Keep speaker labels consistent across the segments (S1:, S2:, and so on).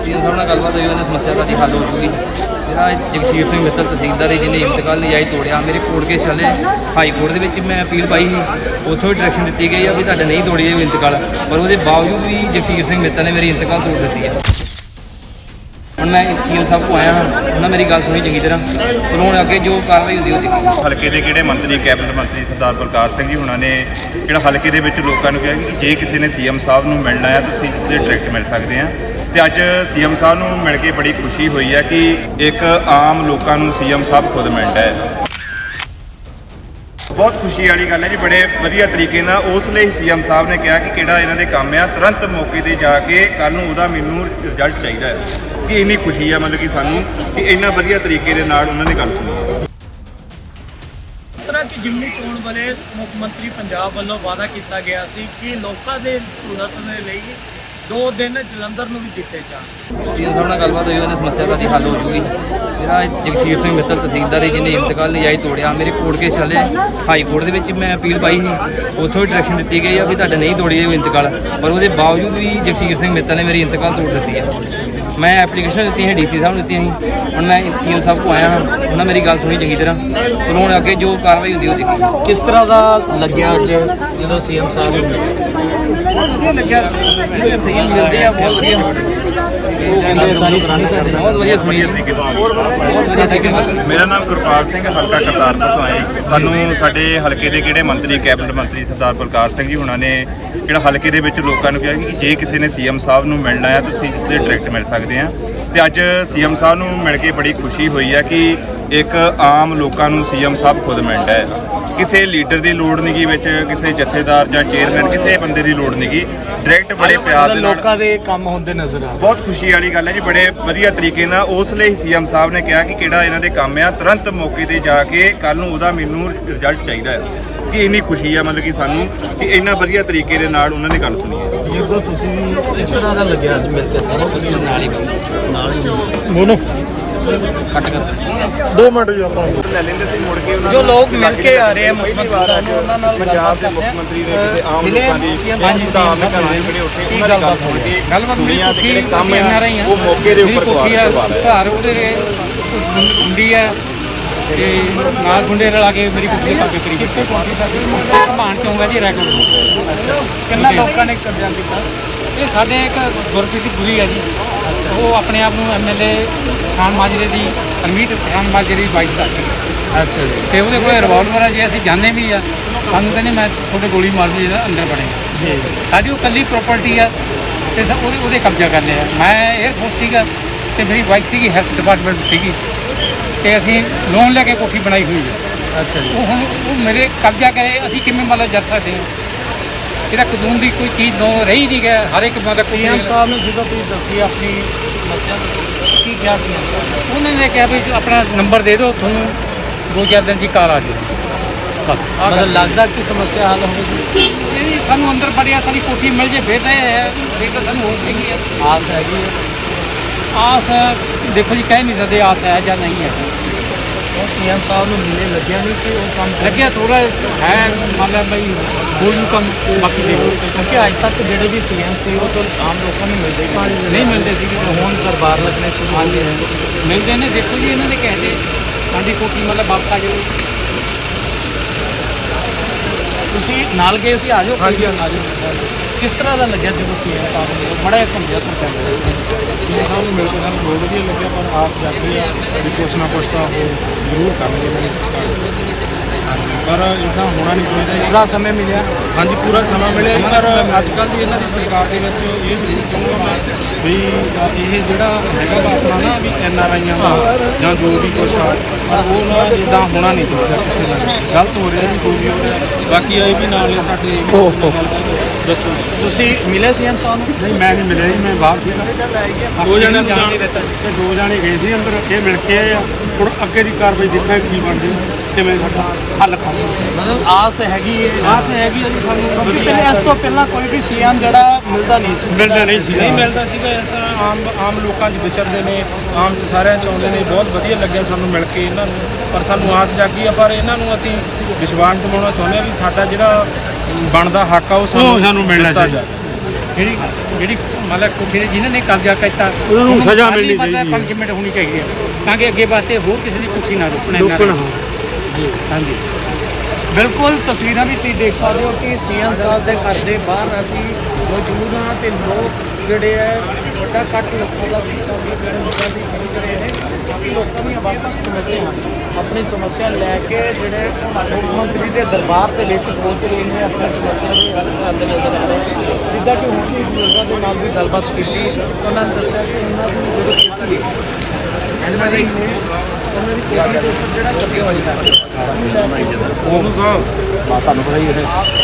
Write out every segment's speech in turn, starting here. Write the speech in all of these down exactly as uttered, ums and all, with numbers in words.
S1: CM ਸਾਹਿਬ ਨਾਲ ਗੱਲਬਾਤ ਹੋਈ, ਉਹਨੇ ਸਮੱਸਿਆ ਸਾਡੀ ਹੱਲ ਹੋ ਜੂਗੀ। ਮੇਰਾ ਜਗਸੀਰ ਸਿੰਘ ਮਿੱਤਲ ਤਹਿਸੀਲਦਾਰ ਜਿਹਨੇ ਇੰਤਕਾਲ ਨਜਾਇਜ਼ ਤੋੜਿਆ, ਮੇਰੇ ਕੋਰਟ ਕੇਸ ਚੱਲੇ ਹਾਈ ਕੋਰਟ ਦੇ ਵਿੱਚ ਮੈਂ ਅਪੀਲ ਪਾਈ ਸੀ, ਉੱਥੋਂ ਵੀ ਡਾਇਰੈਕਸ਼ਨ ਦਿੱਤੀ ਗਈ ਆ ਵੀ ਤੁਹਾਡਾ ਨਹੀਂ ਤੋੜੀ ਜਾਊ ਇੰਤਕਾਲ, ਪਰ ਉਹਦੇ ਬਾਵਜੂਦ ਵੀ ਜਗਸੀਰ ਸਿੰਘ ਮਿੱਤਲ ਨੇ ਮੇਰੀ ਇੰਤਕਾਲ ਤੋੜ ਦਿੱਤੀ ਹੈ। ਹੁਣ ਮੈਂ ਸੀਐਮ ਸਾਹਿਬ ਕੋਲ ਆਇਆ ਹਾਂ, ਉਹਨਾਂ ਮੇਰੀ ਗੱਲ ਸੁਣੀ ਚੰਗੀ ਤਰ੍ਹਾਂ, ਪਰ ਹੁਣ ਅੱਗੇ ਜੋ ਕਾਰਵਾਈ ਹੁੰਦੀ ਉਹ ਦੇਖੀ।
S2: ਹਲਕੇ ਦੇ ਕਿਹੜੇ ਮੰਤਰੀ ਕੈਬਨਿਟ ਮੰਤਰੀ ਸਰਦਾਰ ਬਲਕਾਰ ਸਿੰਘ ਜੀ ਹੁਣਾਂ ਨੇ ਜਿਹੜਾ ਹਲਕੇ ਦੇ ਵਿੱਚ ਲੋਕਾਂ ਨੂੰ ਕਿਹਾ ਕਿ ਜੇ ਕਿਸੇ ਨੇ ਸੀਐਮ ਸਾਹਿਬ ਨੂੰ ਮਿਲਣਾ ਹੈ ਤੁਸੀਂ ਉਹਦੇ ਡਾਇਰੈਕਟ ਮਿਲ ਸਕਦੇ ਆ। ਤੇ ਅੱਜ ਸੀਐਮ ਸਾਹਿਬ ਨੂੰ ਮਿਲ ਕੇ ਬੜੀ ਖੁਸ਼ੀ ਹੋਈ ਹੈ ਕਿ ਇੱਕ ਆਮ ਲੋਕਾਂ ਨੂੰ ਸੀਐਮ ਸਾਹਿਬ ਖੁਦ ਮਿਲਦਾ ਹੈ। ਬਹੁਤ ਖੁਸ਼ੀ ਵਾਲੀ ਗੱਲ ਹੈ ਜੀ, ਬੜੇ ਵਧੀਆ ਤਰੀਕੇ ਨਾਲ ਉਸ ਲਈ ਸੀਐਮ ਸਾਹਿਬ ਨੇ ਕਿਹਾ ਕਿ ਕਿਹੜਾ ਇਹਨਾਂ ਦੇ ਕੰਮ ਆ ਤੁਰੰਤ ਮੌਕੇ 'ਤੇ ਜਾ ਕੇ ਕੱਲ੍ਹ ਨੂੰ ਉਹਦਾ ਮੈਨੂੰ ਰਿਜ਼ਲਟ ਚਾਹੀਦਾ ਹੈ। ਕਿ ਇੰਨੀ ਖੁਸ਼ੀ ਹੈ ਮਤਲਬ ਕਿ ਸਾਨੂੰ ਕਿ ਇੰਨਾ ਵਧੀਆ ਤਰੀਕੇ ਦੇ ਨਾਲ ਉਹਨਾਂ ਨੇ ਗੱਲ ਸੁਣੀ।
S3: ਇਸ ਤਰ੍ਹਾਂ ਕਿ ਜ਼ਿਮਨੀ ਚੋਣ ਵੇਲੇ ਮੁੱਖ ਮੰਤਰੀ ਪੰਜਾਬ ਵੱਲੋਂ ਵਾਅਦਾ ਕੀਤਾ ਗਿਆ ਸੀ ਕਿ ਲੋਕਾਂ ਦੇ ਸਹੂਲਤ ਦੇ ਲਈ ਦੋ ਦਿਨ ਜਲੰਧਰ ਨੂੰ ਵੀ ਦਿੱਤੇ ਜਾਣ।
S1: ਸੀਐਮ ਸਾਹਿਬ ਨਾਲ ਗੱਲਬਾਤ ਹੋਈ, ਉਹਨੇ ਸਮੱਸਿਆ ਸਾਡੀ ਹੱਲ ਹੋ ਜੂਗੀ। ਮੇਰਾ ਜਗਸੀਰ ਸਿੰਘ ਮਿੱਤਲ ਤਹਿਸੀਲਦਾਰ ਜਿਹਨੇ ਇੰਤਕਾਲ ਨਜਾਇਜ਼ ਤੋੜਿਆ, ਮੇਰੇ ਕੋਰਟ ਕੇਸ ਚੱਲੇ ਹਾਈ ਕੋਰਟ ਦੇ ਵਿੱਚ ਮੈਂ ਅਪੀਲ ਪਾਈ ਸੀ, ਉੱਥੋਂ ਵੀ ਡਾਇਰੈਕਸ਼ਨ ਦਿੱਤੀ ਗਈ ਆ ਵੀ ਤੁਹਾਡਾ ਨਹੀਂ ਤੋੜੀ ਜਾਊ ਇੰਤਕਾਲ, ਪਰ ਉਹਦੇ ਬਾਵਜੂਦ ਵੀ ਜਗਸੀਰ ਸਿੰਘ ਮਿੱਤਲ ਨੇ ਮੇਰੀ ਇੰਤਕਾਲ ਤੋੜ ਦਿੱਤੀ ਹੈ। ਮੈਂ ਐਪਲੀਕੇਸ਼ਨ ਦਿੱਤੀ ਹੈ, ਡੀਸੀ ਸਾਹਿਬ ਨੂੰ ਦਿੱਤੀ ਸੀ, ਹੁਣ ਮੈਂ ਸੀਐਮ ਸਾਹਿਬ ਕੋਲ ਆਇਆ ਹਾਂ, ਉਹਨਾਂ ਮੇਰੀ ਗੱਲ ਸੁਣੀ ਚੰਗੀ ਤਰ੍ਹਾਂ, ਪਰ ਹੁਣ ਅੱਗੇ ਜੋ ਕਾਰਵਾਈ ਹੁੰਦੀ ਉਹ ਦੇਖੀ।
S3: ਕਿਸ ਤਰ੍ਹਾਂ ਦਾ ਲੱਗਿਆ ਅੱਜ ਜਦੋਂ ਸੀਐਮ ਸਾਹਿਬ ਨੂੰ
S1: ਬਹੁਤ ਵਧੀਆ ਲੱਗਿਆ, ਸਹੀ ਮਿਲਦੇ ਆ, ਬਹੁਤ ਵਧੀਆ ਬਹੁਤ ਵਧੀਆ ਸੁਣੀ, ਬਹੁਤ ਵਧੀਆ ਤਰੀਕੇ ਨਾਲ।
S2: ਮੇਰਾ ਨਾਮ ਗੁਰਪਾਲ ਸਿੰਘ, ਹਲਕਾ ਕਰਤਾਰਪੁਰ ਤੋਂ ਆਏ। ਸਾਨੂੰ ਸਾਡੇ ਹਲਕੇ ਦੇ ਕਿਹੜੇ ਮੰਤਰੀ ਕੈਬਨਿਟ ਮੰਤਰੀ ਸਰਦਾਰ ਬਲਕਾਰ ਸਿੰਘ ਜੀ ਹੁਣਾਂ ਨੇ ਜਿਹੜਾ ਹਲਕੇ ਦੇ ਵਿੱਚ ਲੋਕਾਂ ਨੂੰ ਕਿਹਾ ਕਿ ਜੇ ਕਿਸੇ ਨੇ ਸੀਐਮ ਸਾਹਿਬ ਨੂੰ ਮਿਲਣਾ ਹੈ ਤੁਸੀਂ ਉਹਦੇ ਡਾਇਰੈਕਟ ਮਿਲ ਸਕਦੇ ਆ। ਤੇ ਅੱਜ ਸੀਐਮ ਸਾਹਿਬ ਨੂੰ ਮਿਲ ਕੇ ਬੜੀ ਖੁਸ਼ੀ ਹੋਈ ਹੈ ਕਿ ਇੱਕ ਆਮ ਲੋਕਾਂ ਨੂੰ ਸੀਐਮ ਸਾਹਿਬ ਖੁਦ ਮਿਲਦਾ ਹੈ। ਕਿਸੇ ਲੀਡਰ ਦੀ ਲੋੜ ਨਹੀਂ ਗੀ ਵਿੱਚ, ਕਿਸੇ ਜਥੇਦਾਰ ਜਾਂ ਚੇਅਰਮੈਨ ਕਿਸੇ ਬੰਦੇ ਦੀ ਲੋੜ ਨਹੀਂ ਗੀ, ਡਾਇਰੈਕਟ ਬੜੇ ਪਿਆਰ ਦੇ ਨਾਲ
S3: ਲੋਕਾਂ ਦੇ ਕੰਮ ਹੁੰਦੇ ਨਜ਼ਰ ਆ।
S2: ਬਹੁਤ ਖੁਸ਼ੀ ਵਾਲੀ ਗੱਲ ਹੈ ਜੀ, ਬੜੇ ਵਧੀਆ ਤਰੀਕੇ ਨਾਲ ਉਸ ਲਈ ਸੀਐਮ ਸਾਹਿਬ ਨੇ ਕਿਹਾ ਕਿ ਕਿਹੜਾ ਇਹਨਾਂ ਦੇ ਕੰਮ ਆ ਤੁਰੰਤ ਮੌਕੇ 'ਤੇ ਜਾ ਕੇ ਕੱਲ੍ਹ ਨੂੰ ਉਹਦਾ ਮੈਨੂੰ ਰਿਜ਼ਲਟ ਚਾਹੀਦਾ ਹੈ। ਕਿ ਇੰਨੀ ਖੁਸ਼ੀ ਹੈ ਮਤਲਬ ਕਿ ਸਾਨੂੰ ਕਿ ਇੰਨਾ ਵਧੀਆ ਤਰੀਕੇ ਦੇ ਨਾਲ ਉਹਨਾਂ ਨੇ ਗੱਲ ਸੁਣੀ ਹੈ।
S3: ਜਦੋਂ ਤੁਸੀਂ ਵੀ ਇਸ ਤਰ੍ਹਾਂ ਦਾ ਲੱਗਿਆ ਅੱਜ ਮਿਲ ਕੇ ਸਾਰੇ
S1: ਨਾਲ ਹੀ
S3: ਨਾਲ ਹੀ
S4: ਬੋਲੋ
S1: ਕੱਟ ਕਰ
S4: ਦੋ ਮਿੰਟ ਜੀ ਆਪਾਂ
S2: ਲੈ ਲੈਂਦੇ ਸੀ ਮੁੜ ਕੇ ਉਹਨਾਂ
S3: ਜੋ ਲੋਕ ਮਿਲ ਕੇ ਆ ਰਹੇ ਆ ਮੁੱਖ ਮੰਤਰੀ ਸਾਹਿਬ ਨੂੰ, ਉਹਨਾਂ ਨਾਲ
S2: ਪੰਜਾਬ ਦੇ ਮੁੱਖ ਮੰਤਰੀ ਨੇ ਕਿਸੇ ਆਮ ਲੋਕਾਂ ਦੀ ਸੁਧਾਰ ਦੇ ਘਰਾਂ ਦੇ ਜਿਹੜੇ ਉੱਥੇ ਉਹਨਾਂ ਦੀ ਗੱਲ ਸੁਣ ਕੇ
S1: ਗੱਲਬਾਤ
S2: ਦੁਨੀਆ ਦੇ ਜਿਹੜੇ ਕੰਮ
S1: ਆ
S2: ਆ ਉਹ ਮੌਕੇ ਦੇ ਉੱਪਰ ਕਰਵਾ ਰਹੇ
S1: ਘਰ ਉਹਦੇ ਗੁੰਡੀ ਹੈ ਤੇ ਨਾਲ ਗੁੰਡੇ ਰਲਾ ਕੇ ਮੇਰੀ ਕੁੜੀ ਪਾ ਕੇ ਕਰੀ ਕਿੱਥੇ ਪਹੁੰਚੀ ਸਾਡੀ ਭਾਣ ਚੌਂਗਾ ਜੀ ਰੈਕੋਰਡ।
S3: ਅੱਛਾ, ਕਿੰਨਾ ਲੋਕਾਂ ਨੇ ਕਬਜ਼ਾ ਕੀਤਾ?
S1: ਇਹ ਸਾਡੇ ਇੱਕ ਗੁਰਪ੍ਰੀਤ ਦੀ ਕੁੜੀ ਹੈ ਜੀ, ਉਹ ਆਪਣੇ ਆਪ ਨੂੰ ਐਮਐਲਏ ਖਾਨ ਮਾਜਰੇ ਦੀ ਹਰਮੀਤ ਖਾਨ ਮਾਜਰੇ ਦੀ ਵਾਈਫ ਦੱਸਦੀ।
S3: ਅੱਛਾ ਜੀ।
S1: ਤੇ ਉਹਦੇ ਕੋਲ ਰਿਵਾਲਵਰ ਹੈ, ਜੇ ਅਸੀਂ ਜਾਣਦੇ ਵੀ ਆ ਸਾਨੂੰ ਕਹਿੰਦੇ ਮੈਂ ਤੁਹਾਡੇ ਗੋਲੀ ਮਾਰ ਦੂੰ ਜਿਹੜਾ ਅੰਦਰ ਵੜੇ। ਸਾਡੀ ਉਹ ਇਕੱਲੀ ਪ੍ਰੋਪਰਟੀ ਆ ਤੇ ਉਹਦੇ ਉਹਦੇ ਕਬਜ਼ਾ ਕਰ ਲਿਆ। ਮੈਂ 에ਅਰਫੋਰਸ ਸੀਗਾ ਤੇ ਮੇਰੀ ਵਾਈਫ ਸੀਗੀ ਹੈਲਥ ਡਿਪਾਰਟਮੈਂਟ ਸੀਗੀ ਤੇ ਅਸੀਂ ਲੋਨ ਲੈ ਕੇ ਕੋਠੀ ਬਣਾਈ ਹੋਈ ਹੈ।
S3: ਅੱਛਾ ਜੀ।
S1: ਉਹ ਹੁਣ ਉਹ ਮੇਰੇ ਕਬਜ਼ਾ ਕਰੇ, ਅਸੀਂ ਕਿਵੇਂ ਮਤਲਬ ਜਰ ਸਕਦੇ ਹਾਂ? ਇਹਦਾ ਕਾਨੂੰਨ ਦੀ ਕੋਈ ਚੀਜ਼ ਦੋ ਰਹੀ ਨਹੀਂ ਗਿਆ। ਹਰ ਇੱਕ ਬੰਦਾ
S3: ਸੀਐਮ ਸਾਹਿਬ ਨੇ ਜਦੋਂ ਤੁਸੀਂ ਦੱਸੀ ਆਪਣੀ ਸਮੱਸਿਆ ਕੀ ਕਿਹਾ ਸੀਐਮ ਸਾਹਿਬ?
S1: ਉਹਨਾਂ ਨੇ ਕਿਹਾ ਵੀ ਆਪਣਾ ਨੰਬਰ ਦੇ ਦਿਓ, ਤੁਹਾਨੂੰ ਦੋ ਚਾਰ ਦਿਨ ਦੀ ਕਾਲ ਆ ਜਾਏ। ਬਸ ਆਹ
S3: ਮਤਲਬ ਲੱਗਦਾ ਕਿ ਸਮੱਸਿਆ ਹੱਲ ਹੋਵੇਗੀ?
S1: ਇਹ ਸਾਨੂੰ ਅੰਦਰ ਬੜਿਆ ਸਾਡੀ ਕੋਠੀ ਮਿਲ ਜੇ ਫਿਰ ਤਾਂ ਇਹ ਹੈ, ਫਿਰ ਤਾਂ ਸਾਨੂੰ ਹੋਰ ਕੀ ਹੈ
S3: ਆਸ ਹੈਗੀ ਹੈ?
S1: ਆਸ ਦੇਖੋ ਜੀ, ਕਹਿ ਨਹੀਂ ਸਕਦੇ ਆਸ ਹੈ ਜਾਂ ਨਹੀਂ ਹੈ।
S3: ਉਹ ਸੀਐਮ ਸਾਹਿਬ ਨੂੰ ਮਿਲੇ ਲੱਗਿਆ ਨਹੀਂ ਕਿ ਉਹ ਕੰਮ
S1: ਲੱਗਿਆ ਥੋੜਾ ਹੈ ਮਤਲਬ ਬਈ ਹੋਰ ਨੂੰ ਕੰਮ ਬਾਕੀ ਦੇਖੋ,
S3: ਕਿਉਂਕਿ ਅੱਜ ਤੱਕ ਜਿਹੜੇ ਵੀ ਸੀਐਮ ਸੀ ਉਹ ਤਾਂ ਆਮ ਲੋਕਾਂ ਨੂੰ ਮਿਲਦੇ ਹੀ
S1: ਨਹੀਂ ਮਿਲਦੇ ਸੀ।
S3: ਹੁਣ ਦਰਬਾਰ ਲੱਗਣੇ ਸ਼ੁਰੂ ਹੋ ਗਏ ਨੇ।
S1: ਮਿਲਦੇ ਨੇ। ਦੇਖੋ ਜੀ, ਇਹਨਾਂ ਨੇ ਕਹਿੰਦੇ ਸਾਡੀ ਕੋਠੀ ਮਤਲਬ ਵਾਪਸ ਆ ਜਾਓ।
S3: ਤੁਸੀਂ ਨਾਲ ਗਏ ਸੀ, ਆ ਜਾਓ। ਹਾਂਜੀ ਆ ਜਾਓ। ਕਿਸ ਤਰ੍ਹਾਂ ਦਾ ਲੱਗਿਆ ਜਦੋਂ ਸੀਐਮ ਸਾਹਿਬ ਨੇ ਬੜਾ ਘੁੰਮਿਆ ਤੋਂ ਕਹਿੰਦੇ
S4: ਸੀਐਮ ਸਾਹਿਬ ਨੂੰ ਮਿਲ ਕੇ ਸਾਨੂੰ ਬਹੁਤ ਵਧੀਆ ਲੱਗਿਆ, ਪਰ ਆਸ ਜਾਂਦੀ ਆ ਵੀ ਕੁਛ ਨਾ ਕੁਛ ਤਾਂ ਉਹ ਜ਼ਰੂਰ ਕਰਨਗੇ ਮੇਰੀ ਸਰਕਾਰ। ਪਰ ਇੱਦਾਂ ਹੋਣਾ ਨਹੀਂ ਚਾਹੀਦਾ ਜੀ।
S3: ਪੂਰਾ ਸਮੇਂ ਮਿਲਿਆ?
S4: ਹਾਂਜੀ, ਪੂਰਾ ਸਮਾਂ ਮਿਲਿਆ ਜੀ, ਪਰ ਅੱਜ ਕੱਲ੍ਹ ਦੀ ਇਹਨਾਂ ਦੀ ਸਰਕਾਰ ਦੇ ਵਿੱਚ ਇਹ ਵੀ ਨਹੀਂ ਚਾਹੁੰਦਾ ਮੈਂ ਵੀ ਇਹ ਜਿਹੜਾ ਹੈਗਾ ਵਾ ਆਪਣਾ ਨਾ ਵੀ ਐਨ ਆਰ ਆਈਆਂ ਦਾ ਜਾਂ ਜੋ ਵੀ ਕੁਛ ਆ, ਪਰ ਉਹ ਨਾ ਇੱਦਾਂ ਹੋਣਾ ਨਹੀਂ ਚਾਹੀਦਾ। ਕਿਸੇ ਨਾਲ ਗਲਤ ਹੋ ਰਿਹਾ ਜੀ, ਕੋਈ ਵੀ ਹੋ ਰਿਹਾ। ਬਾਕੀ ਇਹ ਵੀ ਨਾਲ ਨੇ ਸਾਡੇ ਦੱਸੋ।
S3: ਤੁਸੀਂ ਮਿਲੇ ਸੀਐਮ ਸਾਹਿਬ ਨੂੰ?
S4: ਨਹੀਂ, ਮੈਂ ਨਹੀਂ ਮਿਲਿਆ ਜੀ, ਮੈਂ ਬਾਹਰ ਸੀਗਾ। ਦੋ ਜਣੇ ਜਾਣ ਨਹੀਂ ਦਿੱਤਾ ਤੇ ਦੋ ਜਣੇ ਗਏ ਸੀ ਅੰਦਰ, ਇਹ ਮਿਲ ਕੇ ਆਏ ਆ। ਹੁਣ ਅੱਗੇ ਦੀ ਕਾਰਵਾਈ ਦੇਖਾਂਗੇ ਕੀ ਬਣਦੀ, ਕਿਵੇਂ ਸਾਡਾ ਹੱਲ ਕਰਾਂਗੇ।
S3: ਮਤਲਬ ਆਸ ਹੈਗੀ ਹੈ?
S4: ਆਸ ਹੈਗੀ ਆ ਜੀ ਸਾਨੂੰ।
S3: ਕਿਉਂਕਿ ਪਹਿਲੇ ਇਸ ਤੋਂ ਪਹਿਲਾਂ ਕੋਈ ਵੀ ਸੀਐਮ ਜਿਹੜਾ ਮਿਲਦਾ ਨਹੀਂ ਸੀ।
S4: ਮਿਲਦਾ ਨਹੀਂ ਸੀ ਨਹੀਂ ਮਿਲਦਾ ਸੀਗਾ। ਇਸ ਤਰ੍ਹਾਂ ਆਮ ਆਮ ਲੋਕਾਂ 'ਚ ਵਿਚਰਦੇ ਨੇ, ਆਮ 'ਚ ਸਾਰਿਆਂ 'ਚ ਆਉਂਦੇ ਨੇ। ਬਹੁਤ ਵਧੀਆ ਲੱਗਿਆ ਸਾਨੂੰ ਮਿਲ ਕੇ ਇਹਨਾਂ ਨੂੰ, ਪਰ ਸਾਨੂੰ ਆਸ ਜਾਗੀ ਆ। ਪਰ ਇਹਨਾਂ ਨੂੰ ਅਸੀਂ ਵਿਸ਼ਵਾਸ ਦਿਵਾਉਣਾ ਚਾਹੁੰਦੇ ਹਾਂ ਵੀ ਸਾਡਾ ਜਿਹੜਾ ਬਣਦਾ ਹੱਕ ਆ ਉਹ ਸਾਨੂੰ ਸਾਨੂੰ ਮਿਲਣਾ ਚਾਹੀਦਾ। ਜਿਹੜੀ ਜਿਹੜੀ
S5: ਮਤਲਬ ਕੋਠੀ ਦੇ ਜਿਨ੍ਹਾਂ ਨੇ ਕਬਜ਼ਾ ਕੀਤਾ
S4: ਉਹਨਾਂ ਨੂੰ ਸਜ਼ਾ
S5: ਸਾਰੀ
S4: ਮਿਲਣੀ
S5: ਮਤਲਬ
S4: ਚਾਹੀਦੀ ਹੈ।
S5: ਪੰਿਸ਼ਮੈਂਟ ਹੋਣੀ ਚਾਹੀਦੀ ਹੈ ਤਾਂ ਕਿ ਅੱਗੇ ਵਾਸਤੇ ਹੋਰ ਕਿਸੇ ਦੀ ਕੋਠੀ ਨਾ ਰੁਕਣ ਇਹਨਾਂ
S4: ਰੋਕਣ
S5: ਦੀ। ਹਾਂਜੀ
S3: ਬਿਲਕੁਲ ਤਸਵੀਰਾਂ ਵੀ ਤੁਸੀਂ ਦੇਖ ਸਕਦੇ ਹੋ ਕਿ ਸੀਐਮ ਸਾਹਿਬ ਦੇ ਘਰ ਦੇ ਬਾਹਰ ਅਸੀਂ ਮੌਜੂਦ ਹਾਂ ਤੇ ਲੋਕ ਜਿਹੜੇ ਹੈ ਵੱਡਾ ਕੱਟ ਲੋਕਾਂ ਦਾ ਹਿੱਸਾ ਵੀ ਜਿਹੜੇ ਲੋਕਾਂ ਦੀ ਖਰੀਦ ਰਹੇ ਨੇ ਕਾਫੀ ਲੋਕਾਂ ਦੀਆਂ ਵੱਖ-ਵੱਖ ਸਮੱਸਿਆ ਹਨ ਆਪਣੀ ਸਮੱਸਿਆ ਲੈ ਕੇ ਜਿਹੜੇ ਮੁੱਖ ਮੰਤਰੀ ਦੇ ਦਰਬਾਰ ਦੇ ਵਿੱਚ ਪਹੁੰਚ ਰਹੇ ਨੇ ਆਪਣੀ ਸਮੱਸਿਆ ਦੇ ਹੱਲ ਕਰਦੇ ਨਜ਼ਰ ਆ ਰਹੇ ਨੇ ਜਿੱਦਾਂ ਕਿ ਹੁਣ ਵੀ ਬਜ਼ੁਰਗਾਂ ਦੇ ਨਾਲ ਵੀ ਗੱਲਬਾਤ ਕੀਤੀ ਉਹਨਾਂ ਨੇ ਦੱਸਿਆ ਕਿ ਉਹਨਾਂ ਦੀ ਜਿਹੜੀ ਖੇਤੀ ਹੈ ਇਹਨਾਂ ਦੀ ਉਹਨਾਂ ਦੀ ਖੇਤੀ ਦੇ ਉੱਪਰ ਜਿਹੜਾ ਕਬਜ਼ਾ ਹੋਇਆ ਹੈ
S4: ਉਹਨੂੰ ਸਾਹਿਬ ਤੁਹਾਨੂੰ ਪਤਾ ਹੀ ਹੈ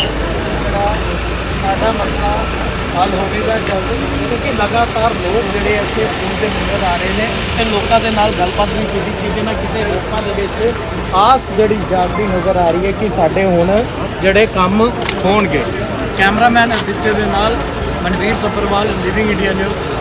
S3: ਸਾਡਾ ਮਸਲਾ ਹੱਲ ਹੋਵੇਗਾ ਜਲਦੀ ਕਿਉਂਕਿ ਲਗਾਤਾਰ ਲੋਕ ਜਿਹੜੇ ਇੱਥੇ ਪਹੁੰਚਦੇ ਨਜ਼ਰ ਆ ਰਹੇ ਨੇ ਤੇ ਲੋਕਾਂ ਦੇ ਨਾਲ ਗੱਲਬਾਤ ਵੀ ਕੀਤੀ ਕਿਤੇ ਨਾ ਕਿਤੇ ਲੋਕਾਂ ਦੇ ਵਿੱਚ ਆਸ ਜਿਹੜੀ ਜਾਗਦੀ ਨਜ਼ਰ ਆ ਰਹੀ ਹੈ ਕਿ ਸਾਡੇ ਹੁਣ ਜਿਹੜੇ ਕੰਮ ਹੋਣਗੇ। ਕੈਮਰਾਮੈਨ ਅਦਿੱਤੇ ਦੇ ਨਾਲ Manveer Sabharwal, living India news.